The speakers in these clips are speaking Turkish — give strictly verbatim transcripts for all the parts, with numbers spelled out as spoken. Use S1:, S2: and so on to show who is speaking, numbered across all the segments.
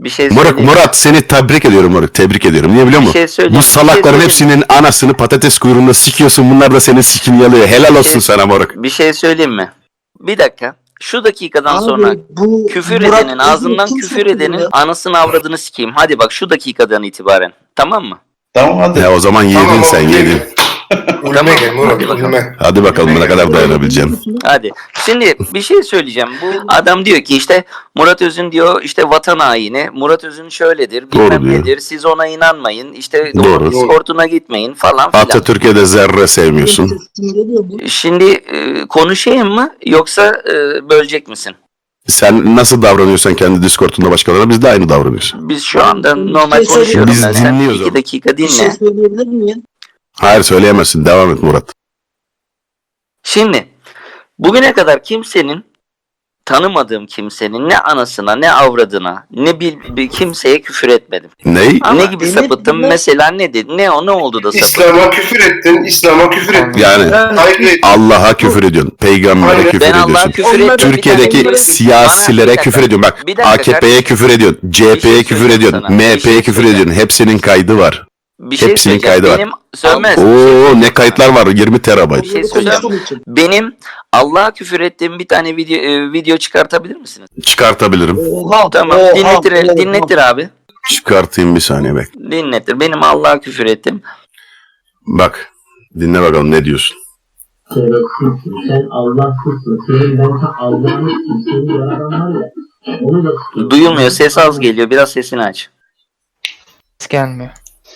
S1: Bir şey
S2: Murat,
S1: söyleyeyim.
S2: Murat seni tebrik ediyorum Murat. Tebrik ediyorum. Niye biliyor
S1: Bir
S2: musun?
S1: şey söyleyeyim,
S2: Bu
S1: bir şey
S2: salakların
S1: söyleyeyim.
S2: hepsinin anasını patates kuyruğunda sikiyorsun. Bunlar da senin sikini yalıyor. Helal olsun
S1: şey-
S2: sana Murat.
S1: Bir şey söyleyeyim mi? Bir dakika. Şu dakikadan
S3: Abi,
S1: sonra
S3: bu
S1: küfür
S3: Murat
S1: edenin,
S3: Özil
S1: ağzından
S3: kim
S1: küfür
S3: sokuyor
S1: edenin
S3: ya?
S1: anasını avradını sikeyim. Hadi bak şu dakikadan itibaren. Tamam mı?
S4: Tamam hadi.
S2: Ya o zaman yedin
S4: Tamam,
S2: sen
S4: okey.
S2: yedin.
S4: Ulme
S1: Tamam,
S4: gel Murat,
S1: hadi bakalım.
S4: ulme.
S2: Hadi bakalım ne kadar dayanabileceksin.
S1: Hadi. Şimdi bir şey söyleyeceğim. Bu adam diyor ki işte Murat Özün diyor işte vatan haini. Murat Özün şöyledir.
S2: Doğru
S1: Bilmem
S2: diyor.
S1: nedir. Siz ona inanmayın. İşte
S2: Doğru.
S1: Discord'una gitmeyin falan filan.
S2: Atatürk'e de zerre sevmiyorsun.
S1: Şimdi e, konuşayım mı yoksa e, bölecek misin?
S2: Sen nasıl davranıyorsan kendi Discord'unda başkalarına biz de aynı davranıyoruz.
S1: Biz şu anda normal
S3: Bir şey
S1: konuşuyorum.
S2: Biz
S1: ben. Sen
S2: dinliyoruz
S1: iki
S2: onu.
S1: dakika
S3: Bir şey
S1: dinle.
S3: söyleyebilir miyim?
S2: Hayır söyleyemezsin. Devam et Murat.
S1: Şimdi bugüne kadar kimsenin tanımadığım kimsenin ne anasına ne avradına ne bir, bir kimseye küfür etmedim.
S2: Ney?
S3: Ama
S1: ne gibi
S3: Emir
S1: sapıttım
S3: bunu-
S1: mesela ne dedi? Ne o ne oldu da sapıttım?
S4: İslam'a küfür ettin, İslam'a küfür ettin.
S2: Yani
S4: Hayır, ettin.
S2: Allah'a küfür ediyorsun. Peygamber'e
S4: Hayır,
S2: küfür
S1: Ben Allah'a
S2: ediyorsun.
S1: küfür ettim.
S2: Türkiye'deki
S1: Bir tane-
S2: siyasilere
S1: Bana- bir
S2: küfür
S1: dakika.
S2: ediyorsun. Bak
S1: Bir dakika
S2: A K P'ye
S1: kardeşim.
S2: küfür ediyorsun.
S1: Bir
S2: C H'ye
S1: şey
S2: küfür
S1: söyleyeyim
S2: ediyorsun.
S1: sana. Bir
S2: M
S1: şey
S2: H'ye küfür
S1: söyleyeceğim.
S2: ediyorsun. Hepsinin kaydı var.
S1: Bir şey
S2: Hepsinin
S1: söyleyeceğim.
S2: kaydı var.
S1: Benim sönmez.
S2: Oo ne kayıtlar var? yirmi terabayt.
S1: Bir şey söyleyeceğim. Benim Allah'a küfür ettiğim bir tane video e, video çıkartabilir misiniz?
S2: Çıkartabilirim.
S3: Oha,
S1: Tamam.
S3: oha,
S1: dinletir,
S3: oha.
S1: dinletir abi.
S2: Çıkartayım bir saniye bek.
S1: Dinletir. Benim Allah'a küfür ettim.
S2: Bak. Dinle bakalım ne diyorsun.
S5: Şerefsizsin, sen Allahsızsın, senin ben ta Allah'ın seni yaradan var ya, onu da sikeyim.
S1: Duyulmuyor. Ses az geliyor. Biraz sesini aç.
S6: Ses gelmiyor.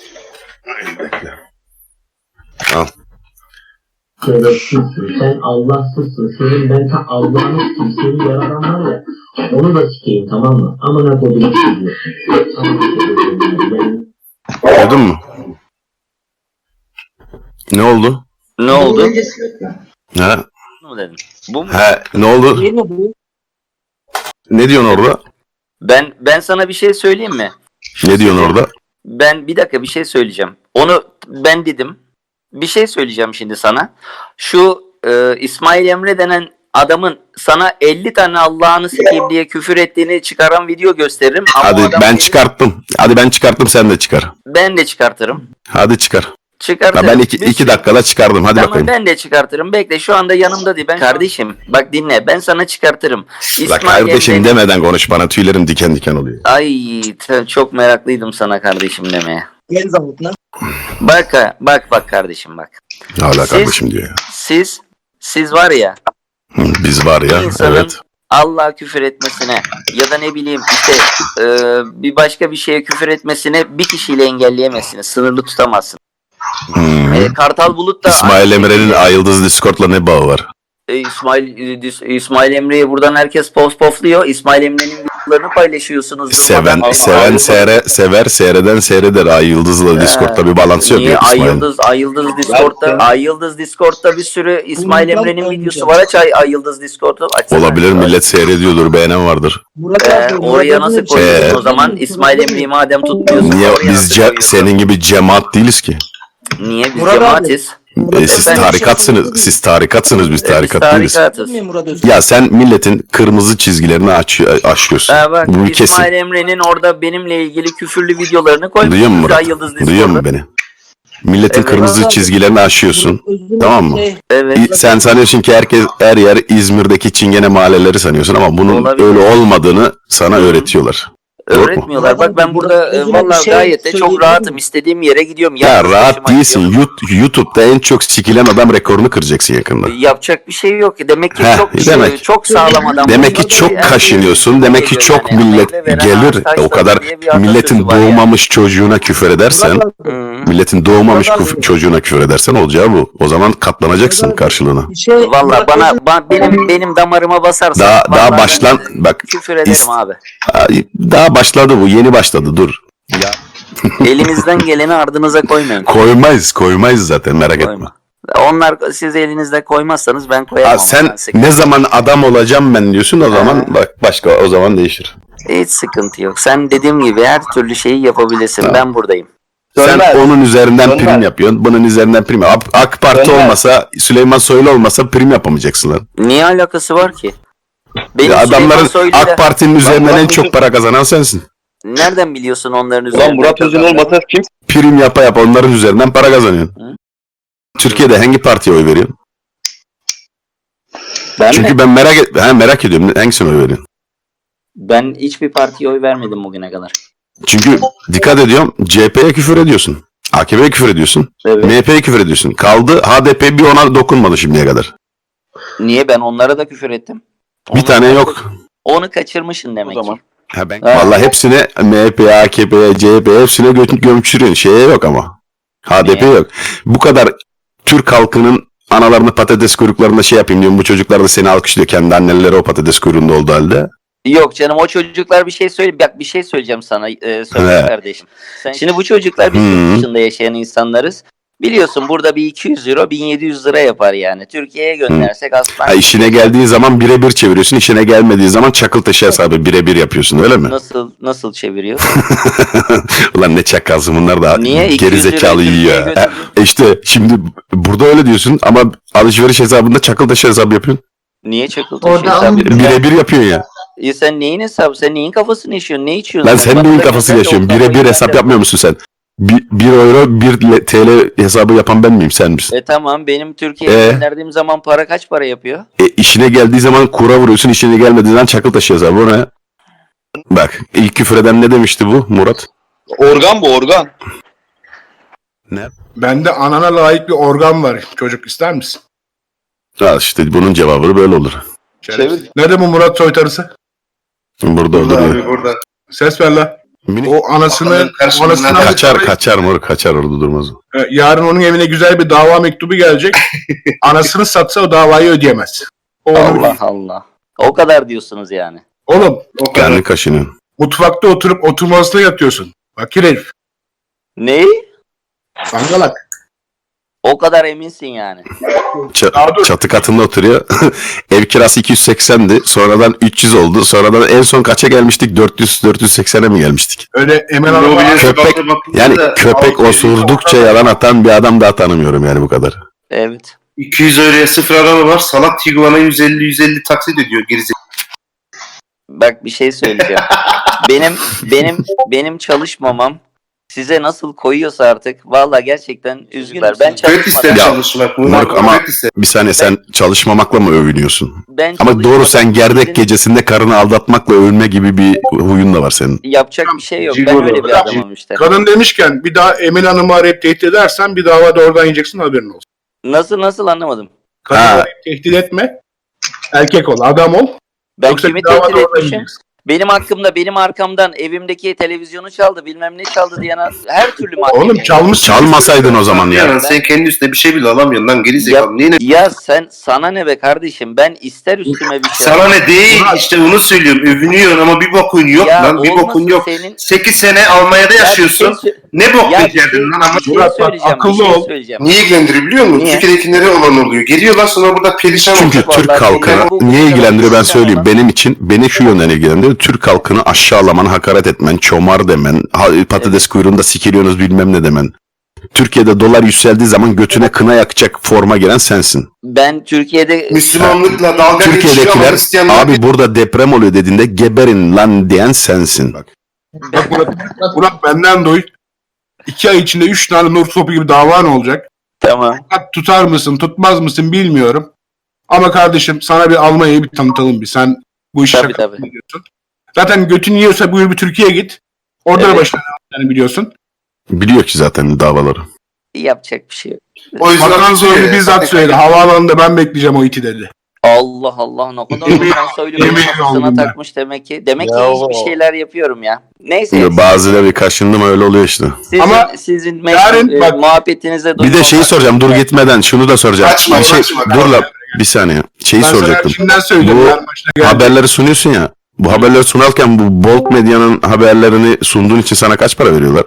S2: Al.
S5: Şerefsizsin, sen Allahsızsın, senin ben ta Allah'ın seni yaradan var ya, onu da sikeyim, tamam mı? Amına kodumu sikiyorsun.
S2: Duydun mu? Ne oldu?
S1: Ne oldu?
S2: Ha?
S1: Bu mu dedim? Bu mu?
S2: Ha ne oldu?
S3: Değil mi bu?
S2: Ne diyorsun orada?
S1: Ben ben sana bir şey söyleyeyim mi?
S2: Ne diyorsun orada?
S1: Ben bir dakika bir şey söyleyeceğim. Onu ben dedim. Bir şey söyleyeceğim şimdi sana. Şu e, İsmail Emre denen adamın sana elli tane Allah'ını sikeyim diye küfür ettiğini çıkaran video gösteririm. Ama o
S2: Hadi
S1: adam-
S2: ben çıkarttım. Hadi ben çıkarttım sen de çıkar.
S1: Ben de çıkartırım.
S2: Hadi çıkar. Ha,
S1: Çıkartırım.
S2: ben iki,
S1: Bir-
S2: iki dakikada çıkardım. Hadi
S1: Tamam
S2: bakayım.
S1: ben de çıkartırım. Bekle şu anda yanımda değil. Ben kardeşim bak dinle. Ben sana çıkartırım.
S2: La kardeşim
S1: Emre'nin-
S2: demeden konuş bana. Tüylerim diken diken oluyor.
S1: Ay te- çok meraklıydım sana kardeşim demeye.
S3: Gel zavutuna.
S1: Bak ha, bak bak kardeşim bak.
S2: Hala
S1: Siz-
S2: kardeşim diyor ya.
S1: Siz siz var ya
S2: Hı, Biz var ya.
S1: insanın
S2: Evet.
S1: Allah'a küfür etmesine ya da ne bileyim işte e, bir başka bir şeye küfür etmesine bir kişiyle engelleyemezsiniz. Sınırlı tutamazsınız.
S2: Hmm.
S1: E, Kartal Bulut da
S2: İsmail Emre'nin Ayıldız Discord'la ne bağı var?
S1: E, İsmail e, Dis- İsmail Emre'yi buradan herkes post pofluyor. İsmail Emre'nin videolarını paylaşıyorsunuz.
S2: Seven,
S1: durmadan.
S2: seven
S1: Ay-
S2: seyre, sever, seyreden seyreder. Ay Yıldız'la Discord'da bir balans yok.
S1: Niye
S2: ya
S1: Ay
S2: İsmail.
S1: Yıldız, Ay Yıldız Discord'da, Ay Yıldız Discord'da bir sürü İsmail
S3: Bundan
S1: Emre'nin
S3: önce.
S1: videosu var. Aç Ay, Ay Yıldız Discord'u. Açsana.
S2: Olabilir, millet seyrediyordur, beğenen vardır.
S3: Murat
S1: Ee,
S3: abi, Murat
S1: oraya
S3: abi
S1: nasıl
S3: bir şey
S1: koyuyorsun
S2: Ee,
S1: o zaman? İsmail Emre'yi madem tutmuyorsun.
S2: Niye
S1: oraya
S2: biz
S1: nasıl
S2: ce-
S1: koyuyorsun?
S2: senin gibi cemaat değiliz ki?
S1: Niye biz
S3: Murat abi.
S1: cemaatiz?
S2: E, siz
S1: Ben-
S2: tarikatsınız, siz tarikatsınız, biz
S1: Biz
S2: tarikat değiliz.
S1: tarikatız.
S3: Değil mi Murat Özil?
S2: Ya sen milletin kırmızı çizgilerini aç, aşıyorsun.
S1: Ee, bak
S2: Bunu kesin.
S1: İsmail Emre'nin orada benimle ilgili küfürlü videolarını koymuş.
S2: Duyuyor musun Murat?
S1: Ay Yıldız
S2: Duyuyor musun
S1: Discord'da.
S2: beni? Milletin
S1: Evet.
S2: kırmızı
S3: Murat abi.
S2: çizgilerini aşıyorsun.
S3: Murat Özil'in
S2: Tamam mı?
S3: şey,
S1: Evet.
S2: İ- Sen sanıyorsun ki herkes her yer İzmir'deki çingene mahalleleri sanıyorsun ama bunun
S1: Olabilir.
S2: öyle olmadığını sana öğretiyorlar. Doğru mu?
S1: Öğretmiyorlar. Bak ben burada e,
S3: Özür
S1: vallahi
S3: bir şey
S1: gayet de çok
S3: söyleyebilir
S1: rahatım.
S3: miyim?
S1: İstediğim yere gidiyorum.
S2: Ya
S1: Yalnız
S2: rahat
S1: başıma
S2: değilsin.
S1: gidiyorum.
S2: Yut- YouTube'da en çok sikilen adam rekorunu kıracaksın yakında.
S1: Yapacak bir şey yok. Demek ki
S2: Heh,
S1: çok
S2: demek.
S1: çok sağlam adam.
S2: Demek ki
S1: Burada
S2: çok
S1: bir-
S2: kaşınıyorsun. Demek ki çok
S1: Yani
S2: millet
S1: meyve veren
S2: gelir.
S1: ağaç taşlanır
S2: O kadar
S1: diye bir atasözü
S2: milletin
S1: var yani.
S2: doğmamış çocuğuna küfür edersen,
S3: Murat abi,
S1: Hı.
S2: milletin doğmamış
S3: Murat
S2: kuf-
S3: abi.
S2: çocuğuna küfür edersen olacağı bu. O zaman katlanacaksın
S3: Murat abi.
S2: karşılığına.
S3: bir şey,
S1: Valla
S3: Murat
S1: bana
S3: Özil-
S1: ba- benim benim damarıma basarsan
S2: Daha
S1: vallahi
S2: daha
S1: ben
S2: başlan bak
S1: küfür ederim
S2: is-
S1: abi.
S2: Ay, daha başladı bu. Yeni başladı. Dur.
S1: Elinizden geleni ardınıza koymayın.
S2: Koymayız, koymayız zaten merak etme.
S1: Koyma. Onlar siz elinizde koymazsanız ben koyamam.
S2: Ha,
S1: ama
S2: sen
S1: ben sıkıntı-
S2: ne zaman adam olacağım ben diyorsun o zaman bak başka o zaman değişir.
S1: Hiç sıkıntı yok. Sen dediğim gibi her türlü şeyi yapabilirsin.
S2: Tamam.
S1: Ben buradayım.
S2: Sen
S4: Dönmez.
S2: onun üzerinden
S4: Dönmez.
S2: prim yapıyorsun. Bunun üzerinden prim. AK, AK Parti
S4: Dönmez.
S2: olmasa, Süleyman Soylu olmasa prim yapamayacaksın lan.
S1: Niye alakası var ki? Benim
S2: Ya
S1: Süleyman
S2: adamların
S1: Soylu'yla-
S2: AK Parti'nin üzerinden
S4: Bak,
S2: en
S4: bak,
S2: çok
S4: bu-
S2: para kazanan sensin.
S1: Nereden biliyorsun onların üzerinden?
S3: Ulan Murat Özün
S1: kazandığını?
S3: olmasa kim?
S2: Prim yapa yapa onların üzerinden para kazanıyorsun.
S1: Hı?
S2: Türkiye'de hangi partiye oy veriyorsun?
S1: Ben
S2: Çünkü
S1: mi?
S2: ben merak et ha, merak ediyorum hangisine oy veriyorsun?
S1: Ben hiçbir partiye oy vermedim bugüne kadar.
S2: Çünkü dikkat ediyorum C H P'ye küfür ediyorsun. A K P'ye küfür ediyorsun.
S1: Evet.
S2: M H P'ye küfür ediyorsun. Kaldı H D P bir ona dokunmadı şimdiye kadar.
S1: Niye ben onlara da küfür ettim?
S2: Bir
S1: Onu-
S2: tane yok.
S1: Onu kaçırmışsın demek
S3: O zaman.
S1: ki.
S2: Ha ben
S1: Ha.
S2: vallahi hepsine M H P'ye, A K P'ye, C H P'ye hepsine gö- gömçürüyorsun. Şeye yok ama. H D P
S1: Niye?
S2: yok. Bu kadar Türk halkının analarını patates kuyruklarında şey yapayım diyorum. Bu çocuklar da seni alkışlıyor. Kendi anneleri o patates kuyruğunda olduğu halde.
S1: Yok canım, o çocuklar bir şey söyle. Bak bir şey söyleyeceğim sana e, söyle
S2: Evet.
S1: kardeşim. Sen, şimdi bu çocuklar biz
S2: Hı.
S1: yurt dışında yaşayan insanlarız. Biliyorsun burada bir iki yüz euro bin yedi yüz lira yapar yani. Türkiye'ye göndersek aslan.
S2: Ha, işine geldiği zaman birebir çeviriyorsun. İşine gelmediği zaman çakıl taşı hesabı birebir yapıyorsun öyle mi?
S1: Nasıl nasıl çeviriyor?
S2: Ulan ne çakalsın bunlar da
S1: Niye? iki
S2: geri
S1: yüz lirayı
S2: zekalı
S1: Türkiye'ye
S2: yiyor.
S1: götürüyor?
S2: E işte şimdi burada öyle diyorsun ama alışveriş hesabında çakıl taşı hesabı yapıyorsun.
S1: Niye çakıl taşı
S7: Orada
S1: hesabı
S7: alın-
S1: yapıyorsun?
S2: Birebir yapıyorsun ya.
S1: Ya sen neyin hesabı? Sen neyin kafasını yaşıyorsun? Ne içiyorsun?
S2: Lan sen
S1: Bana
S2: neyin
S1: da
S2: kafasını
S1: gönder de
S2: yaşıyorsun?
S1: o kafayı
S2: Birebir hesap
S1: gönder.
S2: yapmıyor musun sen? Bir, bir euro bir T L hesabı yapan ben miyim sen misin?
S1: E tamam, benim Türkiye'ye
S2: Ee?
S1: gönderdiğim zaman para kaç para yapıyor?
S2: E, işine geldiği zaman kura vuruyorsun, işine gelmediği zaman çakıl taşı hesabı. O ne? Bak ilk küfür eden ne demişti bu Murat?
S3: Organ bu organ.
S8: Bende anana layık bir organ var. Çocuk ister misin?
S2: Al işte bunun cevabı böyle olur.
S8: Şerefsiz. Nerede bu Murat soytarısı?
S2: Burada
S4: Burada
S2: olur.
S4: abi burada.
S8: Ses ver la.
S2: Minik
S8: O anasını,
S4: Bakalım karşımızda
S8: anasından
S2: kaçar kaçar mor kaçar orada durmaz. o.
S8: E, yarın onun evine güzel bir dava mektubu gelecek. Anasını satsa o davayı ödeyemez. O onu-
S1: Allah Allah. O kadar diyorsunuz yani.
S8: Oğlum
S4: O kadar.
S2: Kendini kaşınıyorsun.
S8: mutfakta oturup oturma odasına yatıyorsun. Fakir herif.
S1: Neyi?
S8: Sangalak.
S1: O kadar eminsin yani.
S2: Ç-
S8: Aa, dur.
S2: çatı katında oturuyor. Ev kirası iki yüz seksendi. Sonradan üç yüz oldu. Sonradan en son kaça gelmiştik? dört yüz dört yüz seksene mi gelmiştik?
S8: Öyle Emel Hanım'a
S4: Mobilyası
S2: Köpek-
S4: bakta bakınca
S2: Yani
S4: da
S2: köpek
S4: altı yüz
S2: osurdukça yalan atan bir adam daha tanımıyorum yani bu kadar.
S1: Evet.
S4: iki yüz euroya sıfır araba var. Salak Tiguan'a yüz elli yüz elli taksit ediyor gerizekalı.
S1: Bak bir şey söyleyeceğim. benim benim benim çalışmamam size nasıl koyuyorsa artık vallahi gerçekten üzgünler. Ben
S4: Köpek ister
S1: çalışmadan,
S2: Ya,
S4: çalışmak.
S2: Moruk ama-
S4: Köpek ister.
S2: Bir saniye sen çalışmamakla mı övünüyorsun?
S1: ben
S2: Ama doğru
S1: çalışmadan
S2: sen gerdek
S1: sizin
S2: gecesinde karını aldatmakla övünme gibi bir huyun da var senin.
S1: yapacak bir şey yok. Ben
S4: Cigolo.
S1: öyle bir adamım işte.
S8: kadın demişken bir daha Emel Hanım'ı arayıp tehdit edersen bir dava da oradan yiyeceksin, haberin olsun.
S1: Nasıl nasıl anlamadım.
S8: Kadını
S2: Ha.
S8: arayıp tehdit etme. Erkek ol, adam ol.
S1: Ben
S8: Yoksa
S1: kimi
S8: bir dava da
S1: tehdit
S8: oradan
S1: etmişim?
S8: yiyeceksin.
S1: Benim hakkımda, benim arkamdan evimdeki televizyonu çaldı, bilmem ne çaldı diyen her türlü mahkeme.
S8: Oğlum çalmışsın.
S2: Çalmasaydın o zaman ya.
S4: Yani sen kendi üstüne bir şey bile alamıyorsun lan gerizekalı. Niye ne?
S1: Ya sen sana ne be kardeşim? Ben ister üstüme bir şey.
S4: Sana ne değil
S8: Murat.
S4: işte onu söylüyorum. Övünüyorsun ama bir bokun yok
S1: Ya
S4: lan. Bir
S1: olmasın
S4: bokun yok.
S1: Senin...
S4: sekiz sene Almanya'da
S1: Ya bir
S4: yaşıyorsun.
S1: şey sö-
S4: Ne bok
S1: Ya bir
S4: becerdin
S1: şey-
S4: lan ama.
S1: bir şey
S8: Murat, bak,
S1: söyleyeceğim, bir
S8: akıllı
S1: şey
S8: ol.
S1: söyleyeceğim.
S4: Niye ilgilendiriyor biliyor musun?
S1: Niye?
S4: Türkiye'dekilere olan oluyor. Geliyorlar sonra burada perişan
S2: Çünkü
S4: olacak.
S2: Türk
S1: Vallahi
S2: halkını
S1: bu-
S2: niye ilgilendiriyor ben
S1: bu-
S2: söyleyeyim. Benim için beni şu yönden ilgilendiriyor. Türk halkını aşağılaman, hakaret etmen, çomar demen, ha- patates kuyruğunda sikiliyorsunuz bilmem ne demen. Türkiye'de dolar yükseldiği zaman götüne kına yakacak forma giren sensin.
S1: Ben Türkiye'de
S4: Müslümanlıkla dalga geçiyor ama
S2: Türkiye'dekiler
S4: Hristiyanlar
S2: abi burada deprem oluyor dediğinde geberin lan diyen sensin. Bak.
S8: Bak Murat, Murat benden duy. İki ay içinde üç tane nur topu gibi davan olacak.
S1: tamam.
S8: Bak, tutar mısın, tutmaz mısın bilmiyorum. Ama kardeşim sana bir Almanya'yı bir tanıtalım bir. Sen bu işi
S1: Tabii,
S8: şaka
S1: tabii.
S8: biliyorsun. Zaten götün yiyorsa buyur bir Türkiye'ye git. Orada da
S1: Evet.
S8: başına yani biliyorsun.
S2: Biliyor ki zaten davaları.
S1: Yapacak bir şey yok.
S4: O yüzden
S8: Bakan
S4: söylüyor
S8: zorlu
S4: ya.
S8: bizzat söyledi. Havaalanında ben bekleyeceğim o iti dedi.
S1: Allah Allah, ne kadar
S8: Yemin-
S1: ben söylüyorum,
S8: yemin
S1: kafasına
S8: oldum ben.
S1: takmış demek ki. Demek
S3: Ya
S1: ki
S3: o-
S1: hiçbir şeyler yapıyorum ya. Neyse.
S2: Bazıları bir kaşındı mı öyle oluyor işte.
S1: Sizin,
S8: Ama
S1: sizin
S8: yarın
S1: meşhur, e,
S8: bak-
S1: muhabbetinize
S2: Bir de şeyi soracağım dur gitmeden şunu da soracağım.
S4: Kaçma,
S2: bir şey,
S4: kaçma,
S2: dur
S4: kaçma.
S2: la bir saniye. Şeyi
S8: Ben sana
S2: soracaktım.
S8: şimdiden söyleyeyim.
S2: Bu
S8: yarın başına geldi.
S2: Haberleri sunuyorsun ya. Bu haberleri sunarken bu Bolt Medya'nın haberlerini sunduğun için sana kaç para veriyorlar?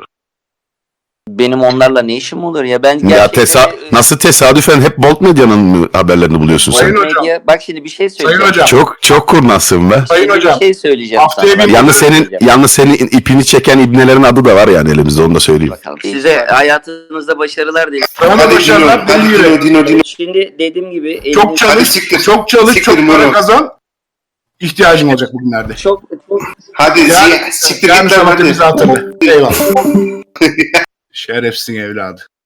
S1: Benim onlarla ne işim olur ya? Ben
S2: Ya
S1: gerçekten-
S2: tesa nasıl tesadüfen hep Bolt Medya'nın mı haberlerini buluyorsun
S8: Sayın
S2: sen?
S8: hocam.
S1: Medya- Bak şimdi bir şey
S8: Sayın
S1: söyleyeceğim.
S8: hocam.
S2: Çok çok kurnazsın be.
S8: Sayın
S1: Şimdi
S8: hocam.
S1: bir şey söyleyeceğim
S8: Haftaya
S1: sana.
S8: bir-
S2: Yalnız senin
S1: Söyleyeceğim.
S2: yalnız senin ipini çeken ibnelerin adı da var yani elimizde onu da söyleyeyim.
S1: Bakalım. Size hayatınızda başarılar dilerim.
S8: Sana da
S4: Hadi
S8: başarılar.
S4: Dino, hadi
S8: Ben yürü.
S4: Dino, Dino, Dino.
S1: Şimdi dediğim gibi
S8: Çok
S1: eliniz-
S4: Hadi
S8: çalış,
S4: siktir.
S8: çok çalış,
S4: Siktir
S8: çok para
S4: Murat.
S8: kazan. İhtiyacın olacak bugünlerde.
S1: çok çok
S4: Hadi
S8: Ya,
S4: Ziya, siktir
S8: Gelmiş
S4: git lan
S8: Samat'ı
S4: hadi.
S8: bizi hatırla. Eyvallah. Şerefsin evladı.